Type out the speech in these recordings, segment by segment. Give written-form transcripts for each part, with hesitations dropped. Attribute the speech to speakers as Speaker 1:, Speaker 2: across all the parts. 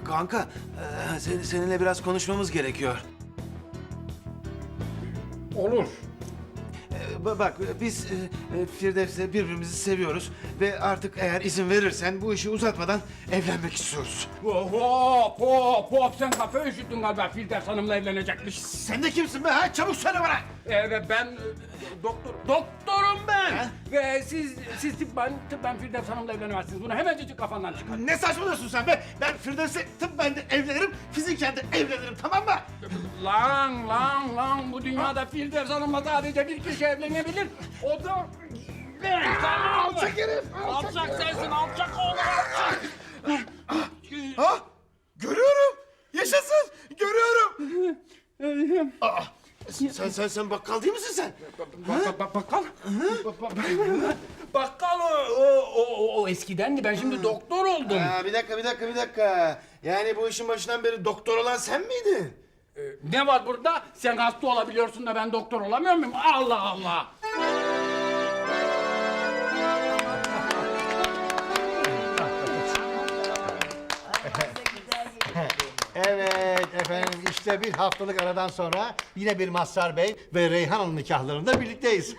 Speaker 1: Kanka, seninle biraz konuşmamız gerekiyor.
Speaker 2: Olur.
Speaker 1: Bak, biz Firdevs'le birbirimizi seviyoruz ve artık eğer izin verirsen bu işi uzatmadan evlenmek istiyoruz.
Speaker 2: Hop, sen kafayı üşüttün galiba. Firdevs Hanım'la evlenecekmiş.
Speaker 1: Sen de kimsin be ha? Çabuk söyle bana!
Speaker 2: Ben doktorum ben.
Speaker 1: Ha?
Speaker 2: Ve siz tıbben Firdevs Hanım'la evlenemezsiniz. Bunu hemencecik kafandan çıkar.
Speaker 1: Ne saçmalıyorsun sen be? Ben Firdevs'le tıbben de evlenirim, fiziken de evlenirim, tamam mı?
Speaker 2: Lan bu dünyada Firdevs Hanım'la sadece bir kişi evlenebilir. O da ben.
Speaker 1: Alçak herif!
Speaker 2: Alçak sensin, alçak oğlum, alçak.
Speaker 1: Ha? Görüyorum! Yaşasın! Görüyorum! Sen bakkal değil misin sen?
Speaker 2: Bakkal? Bakkal o eskidendi. Ben şimdi doktor oldum.
Speaker 1: Bir dakika. Yani bu işin başından beri doktor olan sen miydin?
Speaker 2: Ne var burada? Sen hasta olabiliyorsun da ben doktor olamıyor muyum? Allah Allah!
Speaker 3: Evet efendim, işte bir haftalık aradan sonra yine bir Mazhar Bey ve Reyhan Hanım nikahlarında birlikteyiz.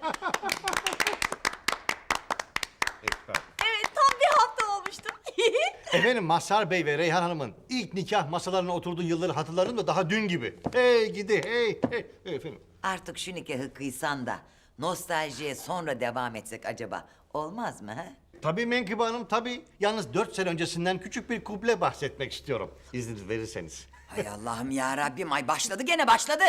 Speaker 4: Evet, tam bir hafta olmuştu.
Speaker 3: Efendim, Mazhar Bey ve Reyhan Hanım'ın ilk nikah masalarına oturduğu yılları hatırlarım da daha dün gibi. Hey gidi hey. Efendim.
Speaker 5: Artık şu nikahı kıysan da nostaljiye sonra devam etsek acaba olmaz mı ha?
Speaker 3: Tabii Menkıbe Hanım, tabii. Yalnız 4 sene öncesinden küçük bir kuple bahsetmek istiyorum. İzniniz verirseniz.
Speaker 5: Hay Allah'ım ya Rabbim, ay başladı gene başladı.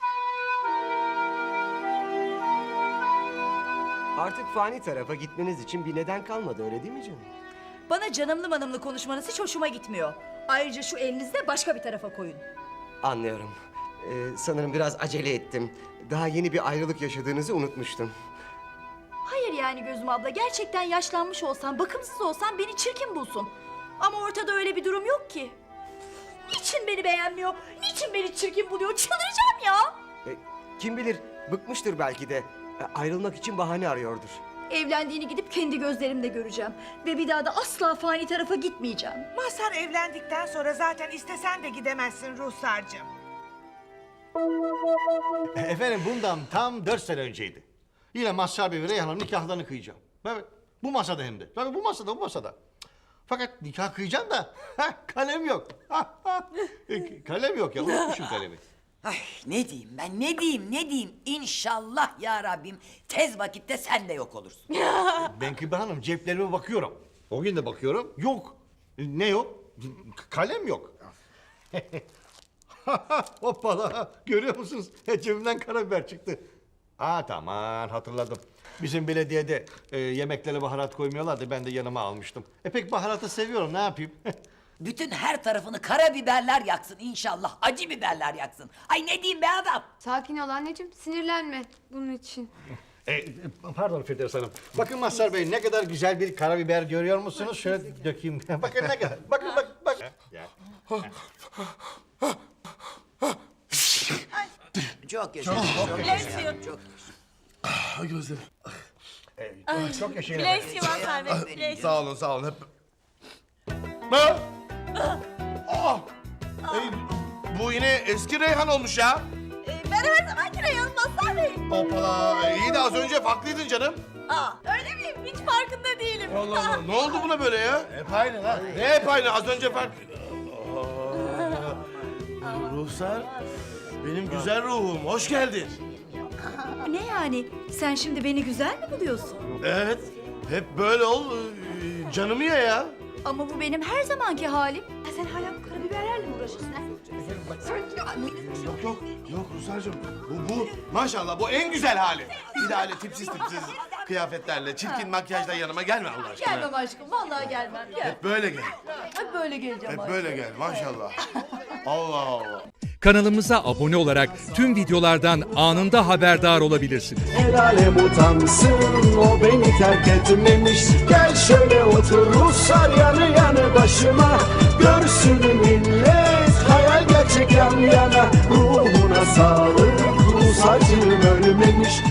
Speaker 6: Artık fani tarafa gitmeniz için bir neden kalmadı, öyle değil mi canım?
Speaker 4: Bana canımlı manımlı konuşmanız hiç hoşuma gitmiyor. Ayrıca şu elinizi de başka bir tarafa koyun.
Speaker 6: Anlıyorum. Sanırım biraz acele ettim. Daha yeni bir ayrılık yaşadığınızı unutmuştum.
Speaker 4: Hayır yani Gözüm abla, gerçekten yaşlanmış olsan, bakımsız olsan beni çirkin bulsun. Ama ortada öyle bir durum yok ki. Niçin beni beğenmiyor? Niçin beni çirkin buluyor? Çıldıracağım ya!
Speaker 6: Kim bilir, bıkmıştır belki de. Ayrılmak için bahane arıyordur.
Speaker 4: Evlendiğini gidip kendi gözlerimle göreceğim. Ve bir daha da asla fani tarafa gitmeyeceğim.
Speaker 7: Mazhar evlendikten sonra zaten istesen de gidemezsin Ruhsar'cığım.
Speaker 3: Efendim, bundan tam 4 sene önceydi. Yine Mazhar Bey ve Reyhan Hanım nikahlarını kıyacağım. Evet, bu masada hem de. Tabii bu masada. Fakat nikah kıyacağım da kalem yok. Kalem yok ya, unutmuşum kalemi.
Speaker 5: Ay ne diyeyim ben, ne diyeyim? İnşallah ya Rabbim tez vakitte sen de yok olursun.
Speaker 3: Menkıbe Hanım, ceplerime bakıyorum. O gün de bakıyorum. Yok. Ne yok? Kalem yok. Hoppala. Görüyor musunuz? Cebimden karabiber çıktı. Tamam, hatırladım. Bizim belediyede yemeklere baharat koymuyorlardı. Ben de yanıma almıştım. Pek baharatı seviyorum. Ne yapayım?
Speaker 5: Bütün her tarafını karabiberler yaksın inşallah, acı biberler yaksın. Ay ne diyeyim be adam?
Speaker 8: Sakin ol anneciğim, sinirlenme bunun için.
Speaker 3: Pardon Firdevs Hanım. Bakın Mazhar Bey, ne kadar güzel bir karabiber görüyor musunuz? Şöyle dökeyim. Bakın ne kadar. Bakın.
Speaker 5: Çok yaşa.
Speaker 1: Gözlerim.
Speaker 3: Çok yaşayın.
Speaker 4: Bless you Mazhar Bey, bless.
Speaker 1: Sağ olun. Hep... Bu yine eski Reyhan olmuş ya.
Speaker 4: Ben her zamanki Reyhan Mazhar Bey.
Speaker 1: Hoppala. İyi de az önce farklıydın canım.
Speaker 4: Öyle miyim? Hiç farkında değilim.
Speaker 1: Allah Allah. Ne oldu buna böyle ya? Hep aynı lan. Ne hep aynı? Az önce fark... Ruhsar, benim güzel ruhum. Hoş geldin.
Speaker 4: Ne yani? Sen şimdi beni güzel mi buluyorsun?
Speaker 1: Evet. Hep böyle ol. Canımı ye ya.
Speaker 4: Ama bu benim her zamanki halim. Sen hala bu karabiberlerle mi uğraşıyorsun?
Speaker 1: Yok Ruhsar'cığım. Bu maşallah bu en güzel hali. Bir de öyle tipsiz kıyafetlerle, çirkin makyajla yanıma gelme Allah aşkına.
Speaker 4: Gelmem aşkım, vallahi gelmem. Gel.
Speaker 1: Hep böyle gel.
Speaker 4: Hep böyle geleceğim.
Speaker 1: Hep böyle gel maşallah. Allah Allah.
Speaker 9: Kanalımıza abone olarak tüm videolardan anında haberdar olabilirsiniz.
Speaker 10: El alem utansın, o beni terk etmemiş. Gel şöyle otur Ruslar yanı başıma. Görsün millet, hayal gerçek yan yana. Ruhuna sağlık, Rus acım ölmemiş.